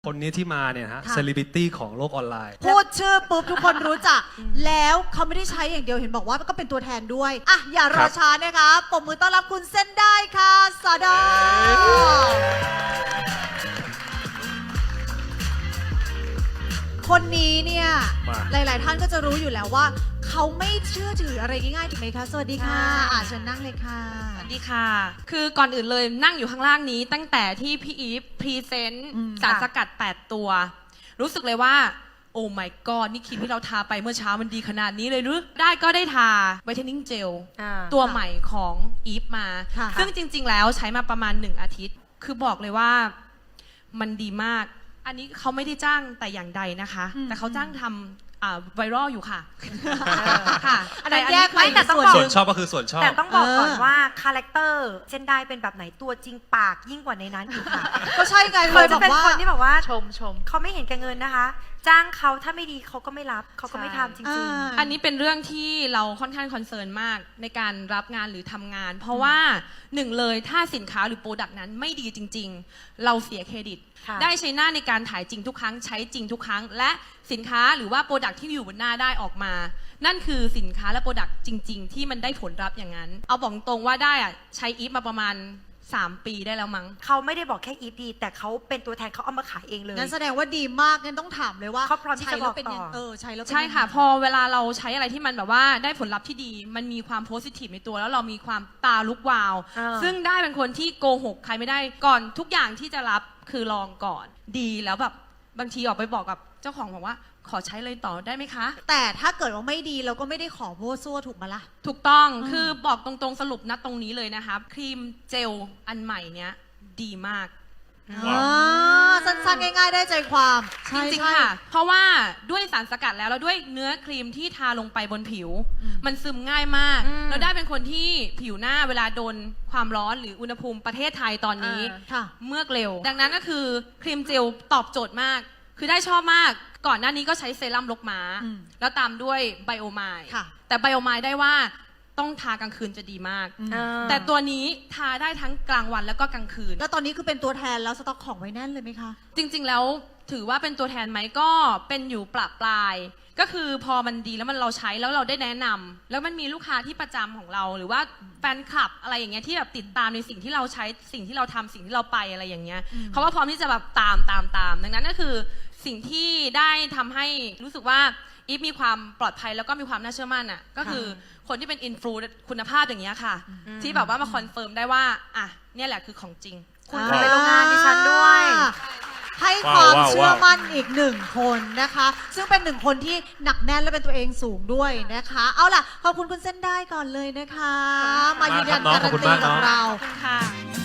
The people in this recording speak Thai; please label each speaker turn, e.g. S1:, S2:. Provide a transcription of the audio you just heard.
S1: คนนี้ที่มาเนี่ยฮะเซเลบริตี้ของโลกออนไลน์
S2: พูดชื่อปุ๊บทุกคนรู้จัก แล้วเขาไม่ได้ใช้อย่างเดียวเห็นบอกว่าก็เป็นตัวแทนด้วยอ่ะอย่ารอช้านะคะปรบมือต้อนรับคุณเส้นได้ค่ะสาดาคนนี้เนี่ยหลายๆท่านก็จะรู้อยู่แล้วว่าเขาไม่เชื่อถืออะไรง่ายๆถูกไหมคะสวัสดีค่ะเชิญนั่งเลยค่ะ
S3: สวัสดีค่ะคือก่อนอื่นเลยนั่งอยู่ข้างล่างนี้ตั้งแต่ที่พี่อีฟพรีเซนต์สารสกัด8ตัวรู้สึกเลยว่าโอ้ my god นี่ครีมที่เราทาไปเมื่อเช้ามันดีขนาดนี้เลยหรือได้ก็ได้ทาไวท์เทนนิ่งเจลตัวใหม่ของอีฟมาซึ่งจริงๆแล้วใช้มาประมาณ1อาทิตย์คือบอกเลยว่ามันดีมากอันนี้เขาไม่ได้จ้างแต่อย่างใดนะคะแต่เขาจ้างทำไวรัลอยู่ค่ะค่ะ
S2: แต่แยกไป
S4: แต่ต้องบอก
S1: ส่วนชอบก็คือส่วนชอบ
S4: แต่ต้องบอกก่อนว่าคาแรคเตอร์เส้นได้เป็นแบบไหนตัวจริงปากยิ่งกว่าในนั้นอีกค่ะ
S2: ก็ใช่ไง
S4: เคยจะเป็นคนที่แบบว่า
S3: ชม
S4: เขาไม่เห็นแก่เงินนะคะ จ้างเขาถ้าไม่ดีเขาก็ไม่รับเขาก็ไม่ทำจริง
S3: ๆอันนี้เป็นเรื่องที่เราค่อนข้างคอนเซิร์นมากในการรับงานหรือทำงานเพราะว่าหนึ่งเลยถ้าสินค้าหรือโปรดักต์นั้นไม่ดีจริงๆเราเสียเครดิตได้ใช้หน้าในการถ่ายจริงทุกครั้งใช้จริงทุกครั้งและสินค้าหรือว่าโปรดักต์ที่อยู่บนหน้าได้ออกมานั่นคือสินค้าและโปรดักต์จริงๆที่มันได้ผลลัพธ์อย่างนั้นเอาบอกตรงว่าได้อะใช้อีฟมาประมาณ3 ปีได้แล้วมั้ง
S4: เขาไม่ได้บอกแค่อีฟดีแต่เขาเป็นตัวแทนเขาเอามาขายเองเลย
S2: งั้นแสดงว่าดีมากงั้นต้องถามเลยว่า
S4: เขาพร้อมที่จะบอกต่อ
S2: ใช้แล้ว
S3: ใช่ค่ะพอเวลาเราใช้อะไรที่มันแบบว่าได้ผลลัพธ์ที่ดีมันมีความโพสิทีฟในตัวแล้วเรามีความตาลุกวาวซึ่งได้เป็นคนที่โกหกใครไม่ได้ก่อนทุกอย่างที่จะรับคือลองก่อนดีแล้วแบบบางทีออกไปบอกกับเจ้าของบอกว่าขอใช้เลยต่อได้ไหมคะ
S2: แต่ถ้าเกิดว่าไม่ดีเราก็ไม่ได้ขอโพสซัวถูกไหมล่ะ
S3: ถูกต้องคือบอกตรงๆสรุปนะตรงนี้เลยนะคะครีมเจลอันใหม่เนี้ยดีมาก
S2: สั้นๆง่ายๆได้ใจความ
S3: จริงๆค่ะเพราะว่าด้วยสารสกัดแล้วด้วยเนื้อครีมที่ทาลงไปบนผิวมันซึมง่ายมากแล้วได้เป็นคนที่ผิวหน้าเวลาโดนความร้อนหรืออุณหภูมิประเทศไทยตอนนี้เมือกเร็วดังนั้นก็คือครีมเจลตอบโจทย์มากคือได้ชอบมากก่อนหน้านี้ก็ใช้เซรั่มลกม้าแล้วตามด้วยไบโอไมล์แต่ไบโอไมล์ได้ว่าต้องทากลางคืนจะดีมากแต่ตัวนี้ทาได้ทั้งกลางวันแล้วก็กลางคืน
S2: แล้วตอนนี้คือเป็นตัวแทนแล้วสต็อกของไว้แน่นเลยไหมคะ
S3: จริงๆแล้วถือว่าเป็นตัวแทนไหมก็เป็นอยู่ปรับปลายก็คือพอมันดีแล้วมันเราใช้แล้วเราได้แนะนำแล้วมันมีลูกค้าที่ประจำของเราหรือว่าแฟนคลับอะไรอย่างเงี้ยที่แบบติดตามในสิ่งที่เราใช้สิ่งที่เราทำสิ่งที่เราไปอะไรอย่างเงี้ยเขาก็พร้อมที่จะแบบตามดังนั้นก็คือสิ่งที่ได้ทำให้รู้สึกว่าอีฟมีความปลอดภัยแล้วก็มีความน่าเชื่อมั่นอ่ะก็คือคนที่เป็นอินฟลูคุณภาพอย่างเงี้ยค่ะที่แบบว่ามาคอนเฟิร์มได้ว่าอ่ะเนี่ยแหละคือของจริง
S4: คุณไปโรงงานดิฉันด้วย
S2: ให้ความเชื่อมั่นอีก1 คนนะคะซึ่งเป็น1 คนที่หนักแน่นและเป็นตัวเองสูงด้วยนะคะเอาล่ะขอบคุณคุณเส้นได้ก่อนเลยนะคะมายืนยันการันตีกับเรา
S3: ค่ะ